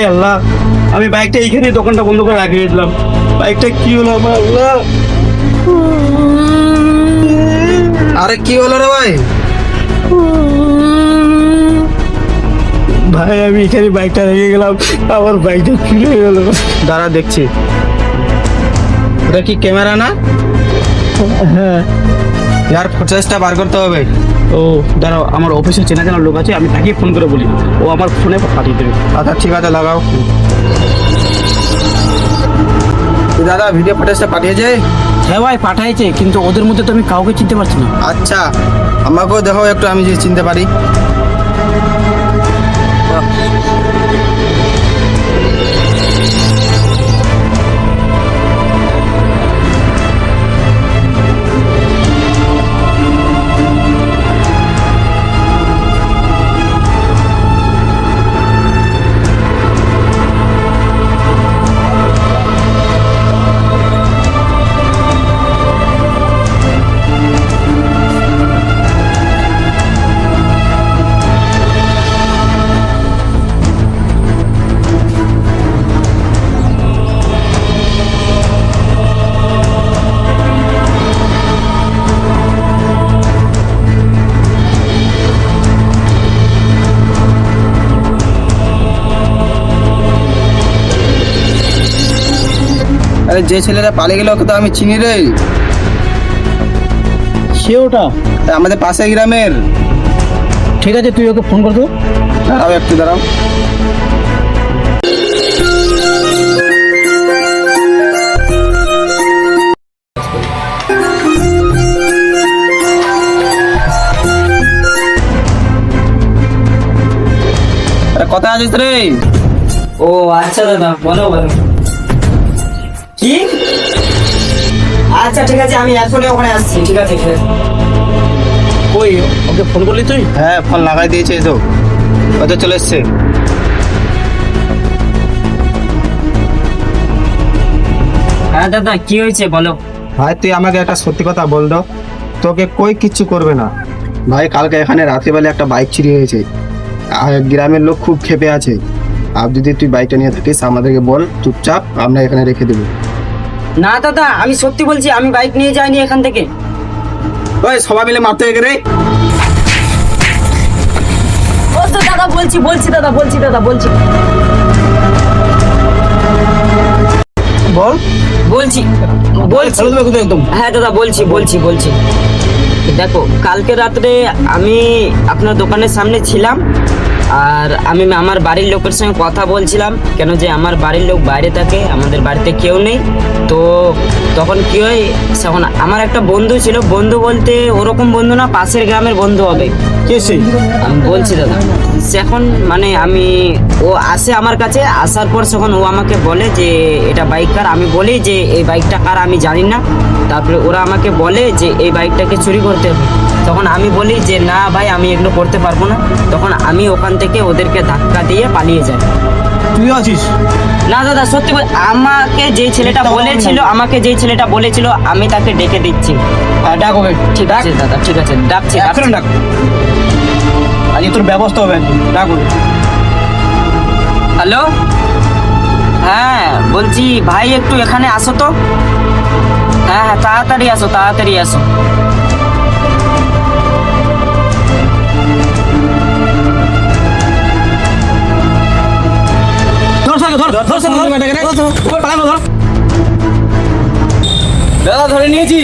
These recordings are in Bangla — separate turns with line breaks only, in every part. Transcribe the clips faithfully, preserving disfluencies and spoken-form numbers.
আল্লাহ, আমি বাইকটা এইখানে দোকানটা বন্ধ করে রাখিয়ে দিলাম, বাইকটা কি হলো আমার আল্লাহ।
আরে কি হলো রে ভাই?
ভাই আমি এখানে বাইকটা রেখে গেলাম, আমার বাইকটা চুরি হয়ে গেল।
দাঁড়া দেখছি। ওটা কি ক্যামেরা না?
হ্যাঁ।
ইয়ার ফুটেজটা বার করতে হবে।
ও দাঁড়াও, আমার অফিসে চেনা জানা লোক আছে, আমি তাকে ফোন করে বলি, ও আমার ফোনে পাঠিয়ে দেবে।
আচ্ছা ঠিক আছে, লাগাও। দাদা ভিডিও ফুটেজটা পাঠিয়েছে?
হ্যাঁ ভাই পাঠাইছে, কিন্তু ওদের মধ্যে তো আমি কাউকে চিনতে পারছি না।
আচ্ছা আমাকেও দেখো একটু, আমি যে চিনতে পারি। আরে যে ছেলেটা পালিয়ে গেল ওকে তো আমি চিনি রে।
সে ওটা
আমাদের পাশে গ্রামের।
ঠিক আছে, তুই ওকে ফোন কর তো।
দাঁড়াও একটু দাঁড়াও। আরে কোথায় আছিস রে?
ও আচ্ছা দাদা, বলো বলো কি? আচ্ছা ঠিক আছে, আমি এখনই ওখানে আসছি। ঠিক আছে ঠিক আছে।
কই ওকে ফোন করলি তুই?
হ্যাঁ ফোন লাগাই দিয়েছে তো, ও তো চলে এসছে।
হ্যাঁ দাদা কি হয়েছে বলো।
ভাই তুই আমাকে একটা সত্যি কথা বল দাও, তোকে কই কিচ্ছু করবে না। ভাই কালকে এখানে রাত্রিবেলা একটা বাইক চুরি হয়েছে, আর গ্রামের লোক খুব ক্ষেপে আছে। আর যদি তুই বাইকটা নিয়ে থাকিস আমাদেরকে বল, চুপচাপ আমরা এখানে রেখে দেবো।
না দাদা আমি সত্যি বলছি, আমি বাইক নিয়ে যাইনি এখান থেকে।
ওই সবাই মিলে মারতে গেলে
ও তো দাদা বলছি বলছি দাদা বলছি দাদা বলছি
বল।
বলছি বলছি
একদম।
হ্যাঁ দাদা বলছি বলছি বলছি দেখো, কালকে রাত্রে আমি আপনার দোকানের সামনে ছিলাম, আর আমি আমার বাড়ির লোকের সঙ্গে কথা বলছিলাম, কেন যে আমার বাড়ির লোক বাইরে থাকে, আমাদের বাড়িতে কেউ নেই। তো তখন কি হয়, তখন আমার একটা বন্ধু ছিল, বন্ধু বলতে ওরকম বন্ধু না, পাশের গ্রামের বন্ধু হবে।
কে সে?
আমি বলছি দাদা, সে এখন মানে আমি ও আসে আমার কাছে, আসার পর তখন ও আমাকে বলে যে এটা বাইক কার। আমি বলি যে এই বাইকটা কার আমি জানি না। তারপরে ওরা আমাকে বলে যে এই বাইকটাকে চুরি করতে হবে। তখন আমি বলি যে না ভাই আমি এগুলো করতে পারবো না। তখন আমি ওখান থেকে ওদেরকে ধাক্কা দিয়ে পালিয়ে যাই।
তুই আছিস?
না দাদা সত্যি বল, আমাকে যে ছেলেটা বলেছিল আমাকে যে ছেলেটা বলেছিল আমি তাকে ডেকে দিচ্ছি।
হ্যাঁ ডাক ওকে।
ঠিক আছে দাদা ঠিক আছে, ডাকছি
এখন
ডাকছি।
ডাক, আজ তোর ব্যবস্থা হবে একদম, ডাক ওকে।
হ্যালো, হ্যাঁ বলছি ভাই একটু এখানে আসো তো। হ্যাঁ হ্যাঁ তাড়াতাড়ি আসো তাড়াতাড়ি আসো।
ধর সাকে ধর ধর সাকে ধর ব্যাটাকে রে, পালানো ধর।
দাদা ধরে নিয়েছি।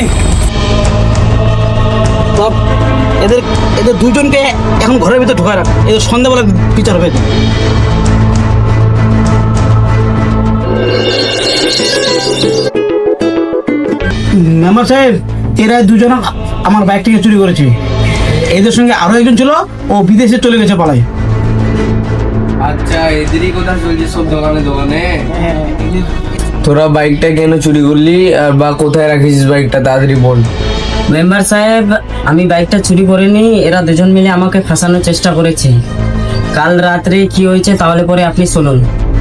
তো এদের এদের দুজনকে এখন ঘরের ভিতরে ঢোকা রাখ, এদের সন্ধ্যাবেলা বিচার হবে। মেম্বার সাহেব, এরা দুজন আমার বাইক থেকে চুরি করেছে। এদের সঙ্গে আরো একজন ছিল, ও বিদেশে চলে গেছে পালাই।
আচ্ছা এদেরই কথা চলছে সব দোকানে দোকানে।
হ্যাঁ,
তোরা বাইকটা কেন চুরি করলি আর বা কোথায় রাখিস বাইকটা তাড়াতাড়ি বল।
মেম্বার সাহেব আমি বাইকটা চুরি করিনি, এরা দুজন মিলে আমাকে ফাঁসানোর চেষ্টা করেছে। কাল রাত্রে কি হয়েছে তাহলে পরে আপনি শুনুন।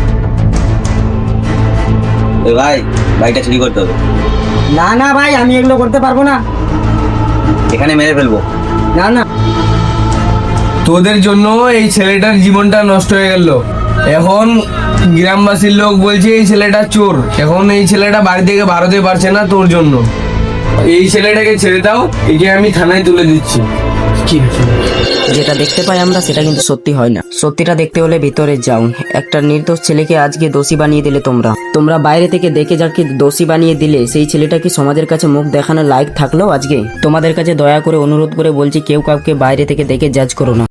ভাই বাইকটা চুরি করতে হবে,
না না ভাই আমি এগুলো করতে পারবো না।
এখানে মেরে ফেলবো।
না না
তোদের জন্য এই ছেলেটার জীবনটা নষ্ট হয়ে গেল। এখন গ্রামবাসীর লোক বলছে এই ছেলেটা চোর। এখন এই ছেলেটা বাড়ি থেকে বাড়াতে পারছে না তোর জন্য। এই ছেলেটাকে ছেড়ে দাও, একে আমি থানায় তুলে দিচ্ছি।
ঠিক আছে।
যেটা দেখতে পাই আমরা সেটা কিন্তু সত্যি হয় না। সত্যিটা দেখতে হলে ভিতরে যাও। একটা নির্দোষ ছেলেকে আজকে দোষী বানিয়ে দিলে তোমরা তোমরা বাইরে থেকে দেখে যাকে দোষী বানিয়ে দিলে, সেই ছেলেটা কি সমাজের কাছে মুখ দেখানোর লায়ক থাকলো? আজকে তোমাদের কাছে দয়া করে অনুরোধ করে বলছি, কেউ কাউকে বাইরে থেকে দেখে জাজ করো না।